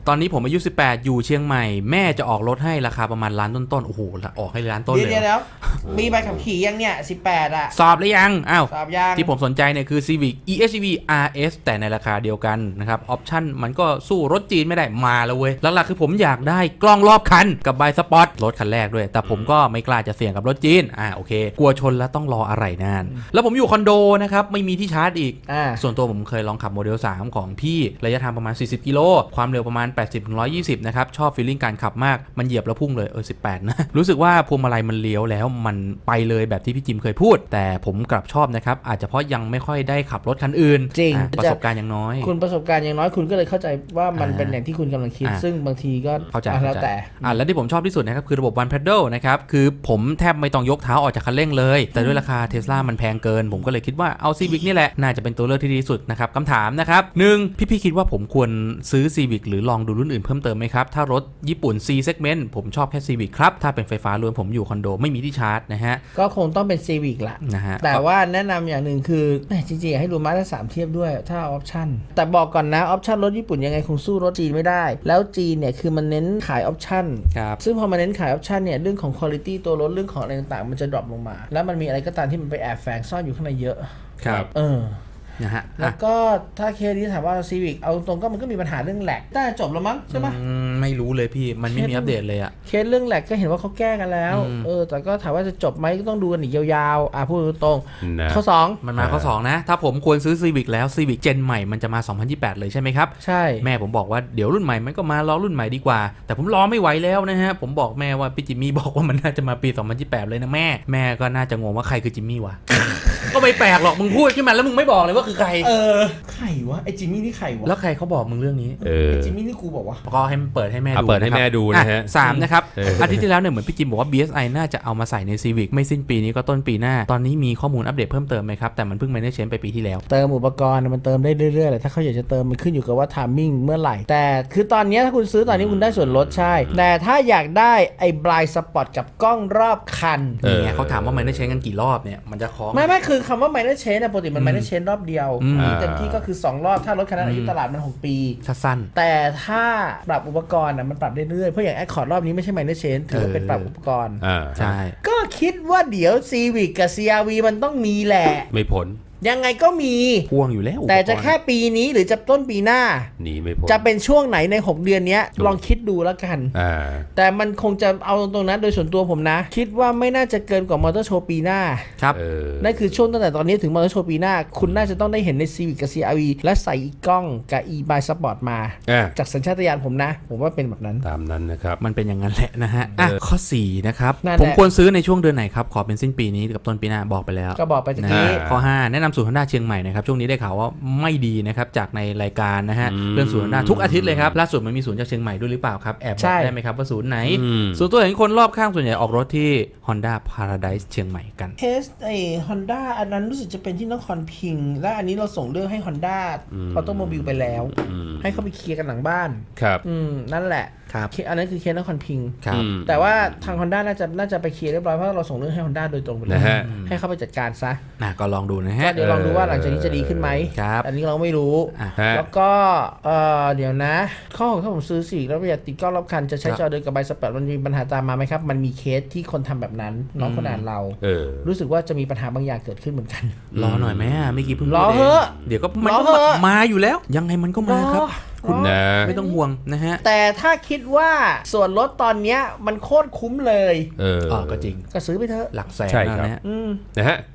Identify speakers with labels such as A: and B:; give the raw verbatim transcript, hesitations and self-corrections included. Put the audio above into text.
A: ตอนนี้ผมอายุสิบแปดอยู่เชียงใหม่แม่จะออกรถให้ราคาประมาณล้านต้นๆโอ้โหออกให้ล้านต้นเลย
B: เดี๋ยวแล้วมีใบขับขี่ยังเนี่ยสิบแปดอ่ะ
A: สอบหรือยังอ้าว
B: สอบยัง
A: ที่ผมสนใจเนี่ยคือ Civic อี เอช อี วี อาร์ เอส แต่ในราคาเดียวกันนะครับออปชั่นมันก็สู้รถจีนไม่ได้มาแล้วเว้ยหลักๆคือผมอยากได้กล้องรอบคันกับใบสปอตรถคันแรกด้วยแต่ผมก็ไม่กล้าจะเสี่ยงกับรถจีนอ่าโอเคกลัวชนแล้วต้องรออะไรนานแล้วผมอยู่คอนโดนะครับไม่มีที่ชาร์จอีกส่วนตัวผมเคยลองขับโมเดลสามของพี่ระยะทางประมาณสี่สิบกิโลความเร็วประมาณแปดสิบถึงหนึ่งร้อยยี่สิบนะครับชอบฟีลลิ่งการขับมากมันเหยียบแล้วพุ่งเลยเออสิบแปดนะรู้สึกว่าพวงมาลัยมันเลี้ยวแล้วมันไปเลยแบบที่พี่จิมเคยพูดแต่ผมกลับชอบนะครับอาจจะเพราะยังไม่ค่อยได้ขับรถคันอื่น
B: จริง
A: ประสบการณ์ยังน้อย
B: คุณประสบการณ์ยังน้อยคุณก็เลยเข้าใจว่ามันเป็นอย่างที่คุณกำลังคิดซึ่งบางทีก็
A: เข้าใจ
B: แล้วแต่
A: อ่าแล้วที่ผมชอบที่สุดนะครับคือระบบ One Pedal นะครับคือผมแทบไม่ต้องยกเท้าออกจากคันเร่งเลยแต่ด้วยราคา Tesla มันแพงเกินผมก็เลยคิดว่าเอา Civic นี่แหละน่าจะเป็นตัวเลือกที่ดีที่สุดนะครับคำถามนะครับหนึ่งพี่ๆคิดว่าผมควรซื้อ Civic หรือลองดูรุ่นอื่นเพิ่มเติมไหมครับถ้ารถญี่ปุ่น C segment ผมชอบแค่ Civic ครับถ้าเป็นไฟฟ้าล้วนผมอยู่คอนโดไม่มีที่ชาร์จนะฮะ
B: ก็คงต้องเป็น Civic ละ
A: นะฮะ
B: แต่ว่าแนะนำอย่างหนึ่งคือจริงๆให้ดูมาตรฐานสามเทียบด้วยถ้าออปชั่นแต่บอกก่อนนะออปชั่นรถญี่ปุ่นยังไงคงสู้รถจีนไม่ได้แล้วจีนเนี่ยคือมันเน้นขายออปชั่นซึ่งพอมาเน้นขายออปชั่นเนี่ยเรื่องของคุณภาพตัวรถเรื่องของอะไรต่างๆมันจะดรอปลงมาแล้วมันมีอะไรก็ตามที่มันไปแอบแฝงซ่อนอยู่ข้างในเยอะ
A: ครับ
B: เออ
A: นะฮะ
B: แล้วก็ถ้าเคสนี้ถามว่า Civic เอาตรงก็มันก็มีปัญหาเรื่องแหลกได้จบแล้วมั้งใช่ไหม
A: ไม่รู้เลยพี่มันไม่มีอัปเดตเลยอะ
B: เคสเรื่องแหลกก็เห็นว่าเขาแก้กันแล้วเออแต่ก็ถามว่าจะจบไหมก็ต้องดูกันอีกยาวๆอ่ะพูดตรงข้อสอง
A: มันมาข้อสองนะถ้าผมควรซื้อ Civic แล้ว Civic เจนใหม่มันจะมาสองพันยี่สิบแปดเลยใช่ไหมครับ
B: ใช่
A: แม่ผมบอกว่าเดี๋ยวรุ่นใหม่มันก็มารอรุ่นใหม่ดีกว่าแต่ผมรอไม่ไหวแล้วนะฮะผมบอกแม่ว่าพี่จิมมี่บอกว่ามันน่าจะมาปีสองพันยี่สิบแปดเลยนะแม่แม่ก็น่าจะงงว่าใครคือจิมมี่วะ ก็ไม่แปลกหรอกมึงพูดขึ้นมาแล้วมึงไม่บอกเลยว่าคือใคร
B: เออใครวะไอ้จิมมี่นี่ใครวะ
A: แล้วใครเขาบอกมึงเรื่องนี้
B: เออจิมมี่นี่กูบอกว่า
A: ก็ให้เปิดให้แม่ดู
C: เปิดให้แม่ดูนะฮะ
A: สามนะครับอาทิตย์ที่แล้วเนี่ยเหมือนพี่จิมบอกว่า บี เอส ไอ น่าจะเอามาใส่ใน Civic ไม่สิ้นปีนี้ก็ต้นปีหน้าตอนนี้มีข้อมูลอัปเดตเพิ่มเติมไหมครับแต่มันเพิ่ง manage ไปปีที่แล้ว
B: เติมอุปกรณ์มันเติมได้เรื่อยๆแหละถ้าเขาอยากจะเติมมันขึ้นอยู่กับว่า timing เมื่อไหร่แต่คือตอนนี้ถ้าคุณซื้อตอนนี้คุณได้ส่วนลดใช่แต่ถ้าอยากได้ไอ้ blind spot กับกล้องรอบคัน
A: เนี่ยเขาถามว่า manage กันกี่รอบเนี่ยมันจะคล้อง
B: ไม่ไม่คือคำว่า manage นะปกติมัน manage รอบเดียวเต็มที่ก็คือสองรอบถ้ารถคันนั้นอายุตลาดมันหกปี
A: สั้น
B: แต่ถ้าปรับอุปกรณ์อ่ะมันปรับได้เรื่อยเพราะอย่าง Accord รอบนี้ไม่ใช่ manage ถือว่าเป็นปรับอุปกรณ์
A: ใช่
B: ก็คิดว่าเดี๋ยว Civic กับ ซี อาร์ วี มันต้องมีแหละ
C: ไม่พ้น
B: ยังไงก็มี
A: พ่วงอยู่แล้ว
B: แต่จะแค่ปีนี้หรือจะต้นปีหน้า
C: หนีไม่พ้น
B: จะเป็นช่วงไหนในหกเดือนนี้ลองคิดดูแล้วกันแต่มันคงจะเอาตรงๆนั้นโดยส่วนตัวผมนะคิดว่าไม่น่าจะเกินกว่ามอเตอร์โชว์ปีหน้า
A: ครับ
B: นั่นคือช่วงตั้งแต่ตอนนี้ถึงมอเตอร์โชว์ปีหน้าคุณน่าจะต้องได้เห็นใน Civic กับ ซี อาร์ วี และใส่อีกกล้องกับ e-by sport มาจากสัญชาตญาณผมนะผมว่าเป็นแบบนั้น
C: ตามนั้นนะครับ
A: มันเป็นอย่างนั้นแหละนะฮะอ่ะข้อสี่นะครับผมควรซื้อในช่วงเดือนไหนครับขอเป็นสิ้นปีนี้กับต้นปีหน้าบอกไปแล้ว
B: ก็บอกไปจากนี้
A: ข้อห้าแนะนำศูนย์ Honda เชียงใหม่นะครับช่วงนี้ได้ข่าวว่าไม่ดีนะครับจากในรายการนะฮะเรื่องศูนย์ Honda ทุกอาทิตย์เลยครับล่าสุดมันมีศูนย์จากเชียงใหม่ด้วยหรือเปล่าครับแอบบอกได้ไหมครับว่าศูนย์ไหนส่วนตัวเห็นคนรอบข้างส่วนใหญ่ออกรถที่ Honda Paradise เชียงใหม่กัน
B: เทสไอ้ Honda อันนั้นรู้สึกจะเป็นที่นครพิงค์และอันนี้เราส่งเรื่องให้ Honda Automobile ไปแล้วให้เขาไปเคลียร์กันหลังบ้าน
C: ครับ
B: อืมนั่นแหละ
A: ครับ
B: อันนั้นคือเคสนครพิงค์
A: ครับ
B: แต่ว่าทาง Honda น่าจะน่าจะไปเคลียร์เรียบร้อยเพราะเราส่งเรื่องให้ Honda โดยตรงไปเลยให้เขาไปจัดการซะ
A: นะก็ลองดูนะฮะ
B: เดี๋ยวลองดูว่าหลังจากนี้จะดีขึ้นไหม
A: ครับ
B: อันนี้เราไม่รู้แล้วก็เออเดี๋ยวนะข้อของถ้าผมซื้อสิแล้วอยากติดกล้องรอบคันจะใช้จอเดินกับใบสเปรดมันมีปัญหาตามมาไหมครับมันมีเคสที่คนทำแบบนั้นน้องคนอ่านเรารู้สึกว่าจะมีปัญหาบางอย่างเกิดขึ้นเหมือนกัน
A: รอหน่อยไหมไม่กี่เพิ่ง
B: รอเถอะ
A: เดี๋ยวก็มันมาอยู่แล้วยังไงมันก็มาครับคุณนะไม่ต้องห่วงนะฮะ
B: แต่ถ้าคิดว่าส่วนลดตอนเนี้ยมันโคตรคุ้มเลย
A: เออก็จริง
B: ก็ซื้อไปเถอะ
A: หลักแสน
C: ใช่ครับ
A: นะฮะ
C: นะฮะ